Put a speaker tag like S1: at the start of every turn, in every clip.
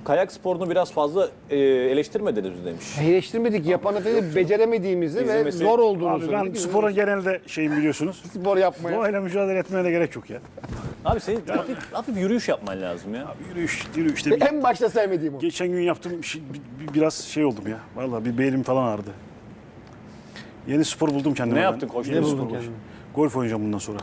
S1: kayak sporunu biraz fazla eleştirmediniz demiş.
S2: Eleştirmedik, yapan efendim beceremediğimizi ve
S1: İzlemesi-
S2: zor olduğunu
S3: Abi ben
S2: söyledik.
S3: spora genelde şeyim biliyorsunuz.
S2: Spor yapmaya.
S3: Doğayla mücadele etmeye de gerek yok ya.
S1: Abi senin hafif yürüyüş yapman lazım ya.
S3: Yürüyüşte
S2: En başta sevmediğim o.
S3: geçen gün yaptığım biraz şey oldum ya. Vallahi bir belim falan ağrıdı. Yeni spor buldum kendime.
S1: Ne
S3: ben.
S1: yaptın koştun?
S3: Yeni
S1: Ne
S3: spor
S2: buldun
S3: buldum.
S2: kendine?
S3: Golf oynayacağım bundan sonra.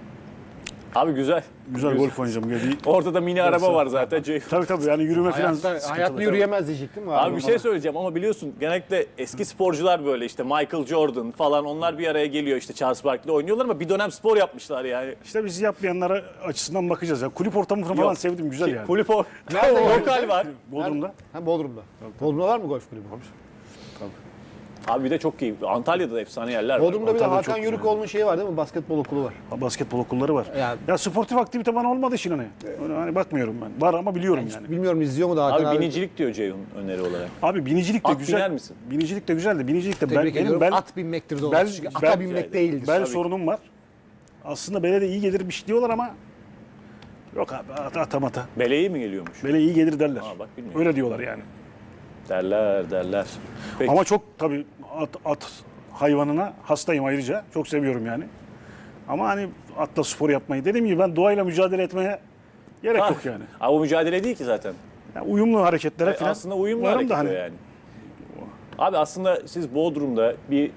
S1: Abi güzel.
S3: Güzel golf oynayacağım.
S1: Orada da mini araba var zaten.
S3: Tabii yani yürüme falan.
S2: Hayatta yürüyemez diyecektim mi?
S1: Abi bir şey söyleyeceğim ama biliyorsun genellikle eski sporcular böyle işte Michael Jordan falan onlar bir araya geliyor işte Charles Barkley oynuyorlar ama bir dönem spor yapmışlar yani.
S3: İşte biz yapmayanlara açısından bakacağız ya. Kulüp ortamını falan
S1: Yok.
S3: sevdim, güzel yani.
S1: Kulüp
S2: Nerede
S1: lokal var.
S3: Bodrum'da.
S2: Ha, Bodrum'da. Bodrum'da var mı golf kulübü?
S1: Abi bir de çok iyi. Antalya'da da efsane yerler var.
S2: Bodrum'da bir de
S3: Antalya'da
S2: Hakan
S3: çok
S2: Yürükoğlu'nun şeyi var değil mi? Basketbol okulu var.
S3: Basketbol okulları var.
S2: Yani-
S3: Ya sportif aktivite bana olmadığı için hani. Öyle hani bakmıyorum ben. Var ama biliyorum yani.
S2: Bilmiyorum izliyor mu da Hakan
S1: Abi binicilik diyor Ceyhun öneri olarak.
S3: Abi binicilik de
S1: At
S3: güzel.
S1: biner misin?
S3: Binicilik de güzel de binicilik de
S2: Tebrik ediyorum.
S3: benim
S2: At binmektir doğru.
S3: bel-
S2: Çünkü ata
S3: bel-
S2: binmek değildir.
S3: bel sorunum var. Aslında bele de iyi gelirmiş diyorlar ama yok abi mata.
S1: Beleği mi geliyormuş?
S3: Bele iyi gelir derler.
S1: Ha, bak bilmiyorum.
S3: Öyle diyorlar yani.
S1: Derler. Peki.
S3: Ama çok tabii at hayvanına hastayım ayrıca. Çok seviyorum yani. Ama hani atla spor yapmayı. Dediğim gibi ben doğayla mücadele etmeye gerek yok yani.
S1: Abi o mücadele değil ki zaten.
S3: Yani uyumlu hareketlere falan.
S1: Aslında uyumlu
S3: varım
S1: hareket
S3: da hani.
S1: o yani. Abi aslında siz Bodrum'da bir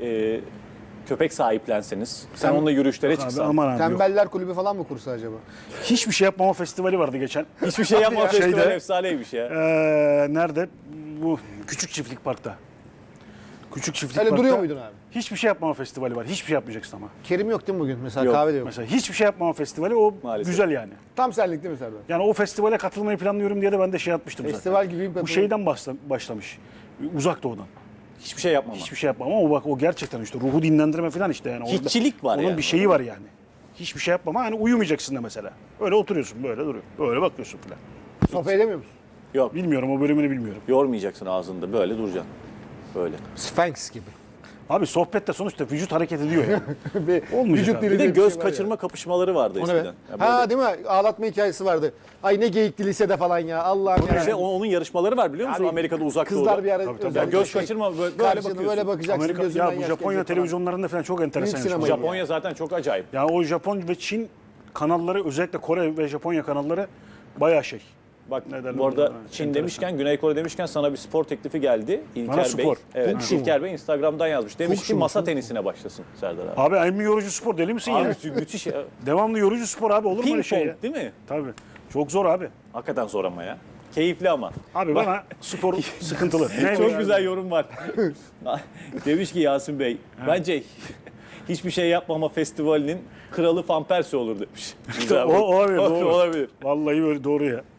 S1: köpek sahiplenseniz, sen onunla yürüyüşlere
S3: Abi,
S1: çıksan.
S3: aman abi yok.
S2: Tembeller kulübü falan mı kursa acaba?
S3: Hiçbir şey yapmama festivali vardı geçen.
S1: Hiçbir şey yapma festival
S3: Şeyde-
S1: efsaneymiş ya.
S3: Nerede? Bu Küçük Çiftlik Park'ta. Küçük Çiftlik
S2: Öyle
S3: Park'ta.
S2: duruyor muydun abi?
S3: Hiçbir şey yapmama festivali var. Hiçbir şey yapmayacaksın ama.
S2: Kerim yok değil mi bugün? Mesela
S1: Yok.
S2: kahve de yok.
S3: Mesela hiçbir şey yapmama festivali o
S1: Maalesef.
S3: güzel yani.
S2: Tam senlik değil mi Serdar?
S3: Yani o festivale katılmayı planlıyorum diye de ben de şey atmıştım
S2: Festival
S3: zaten.
S2: gibi bir
S3: Bu şeyden başlamış. Uzak Doğu'dan.
S1: Hiçbir şey yapmama.
S3: Hiçbir şey yapmam ama o gerçekten işte ruhu dinlendirme falan işte yani. Orada-
S1: Hiççilik var
S3: onun
S1: yani.
S3: bir şeyi var yani. Hiçbir şey yapmama hani uyumayacaksın da mesela. Öyle oturuyorsun böyle duruyor. Böyle bakıyorsun falan.
S2: Sohbet edemiyor musun?
S1: Yok.
S3: Bilmiyorum o bölümünü bilmiyorum.
S1: Yormayacaksın ağzında. Böyle duracaksın. Böyle.
S2: Sphinx gibi.
S3: Abi sohbette sonuçta vücut hareket ediyor yani.
S2: Bir
S3: Olmayacak
S2: vücut
S3: abi.
S2: dili
S1: Bir de
S2: diye
S1: göz
S2: şey var ya.
S1: kaçırma kapışmaları vardı
S2: O ne be?
S1: eskiden. Ya böyle-
S2: Ha değil mi? Ağlatma hikayesi vardı. Ay ne geyikti lisede falan ya. Allah'ım ya.
S1: İşte onun yarışmaları var biliyor musun?
S2: Abi,
S1: Amerika'da uzak
S2: Kızlar
S1: doğuda.
S2: bir ara
S3: tabii.
S1: Ya
S2: özellikle
S1: göz
S2: şey,
S1: kaçırma böyle
S2: karşını
S1: bakıyorsun.
S2: böyle bakacaksın
S3: Amerika,
S2: gözünden
S3: ya bu
S2: yaş
S3: Japonya
S2: gelecek falan.
S3: televizyonlarında falan çok enteresan.
S2: Büyük
S3: yaşanıyor.
S2: sinema.
S1: Japonya zaten çok acayip.
S3: Yani o Japon ve Çin kanalları özellikle Kore ve Japonya kanalları bayağı şey.
S1: Bak
S3: Ne derler
S1: bu arada
S3: ona?
S1: Çin
S3: Enteresan.
S1: demişken, Güney Kore demişken sana bir spor teklifi geldi. İlker
S3: Bana
S1: Bey.
S3: spor.
S1: Evet,
S2: Kung fu mu?
S1: İlker Bey Instagram'dan yazmış. Demiş
S2: Kung
S1: ki
S2: fu mu?
S1: masa tenisine başlasın Serdar abi.
S3: Abi en yorucu spor deli misin ya?
S1: Abi müthiş ya.
S3: Devamlı yorucu spor abi olur mu öyle
S1: Ping
S3: şey ya?
S1: pong değil mi?
S3: Tabii. Çok zor abi.
S1: Hakikaten zor ama ya. Keyifli ama.
S3: Abi bana spor sıkıntılı. Ne
S1: Çok
S3: yani?
S1: güzel yorum var. Demiş ki Yasin Bey, bence hiçbir şey yapmama festivalinin kralı Van Persie olur demiş.
S3: İşte o olabilir, doğru.
S1: Olabilir.
S3: Vallahi böyle doğru ya.